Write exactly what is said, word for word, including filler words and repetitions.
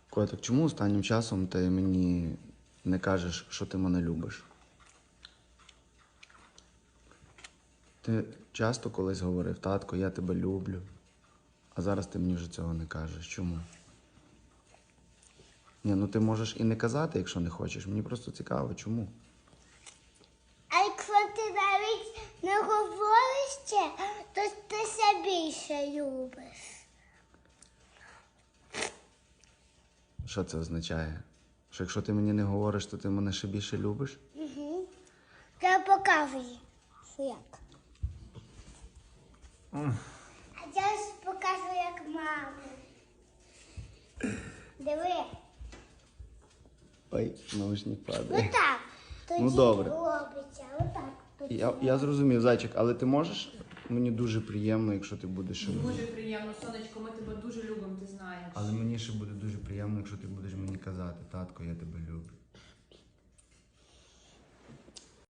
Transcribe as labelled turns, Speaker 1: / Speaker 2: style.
Speaker 1: Котик, чому останнім часом ти мені не кажеш, що ти мене любиш? Ти часто колись говорив: татко, я тебе люблю, а зараз ти мені вже цього не кажеш. Чому? Ні, ну ти можеш і не казати, якщо не хочеш. Мені просто цікаво, чому?
Speaker 2: А якщо ти навіть не говориш це, то ти себе більше любиш.
Speaker 1: Що це означає? Що якщо ти мені не говориш, то ти мене ще більше любиш?
Speaker 2: Угу. Я покажу, що як.
Speaker 1: Mm.
Speaker 2: А я ж покажу, як мама. Диви.
Speaker 1: Ой, наушник падає.
Speaker 2: Отак. Тоді
Speaker 1: Ну, добре.
Speaker 2: робиться. Отак. Тоді
Speaker 1: Я, я зрозумів, зайчик, але ти можеш? Мені дуже приємно, якщо ти будеш ще.
Speaker 3: Дуже приємно, сонечко, ми тебе дуже любимо, ти знаєш.
Speaker 1: Але мені ще буде дуже приємно, якщо ти будеш мені казати: татко, я тебе люблю.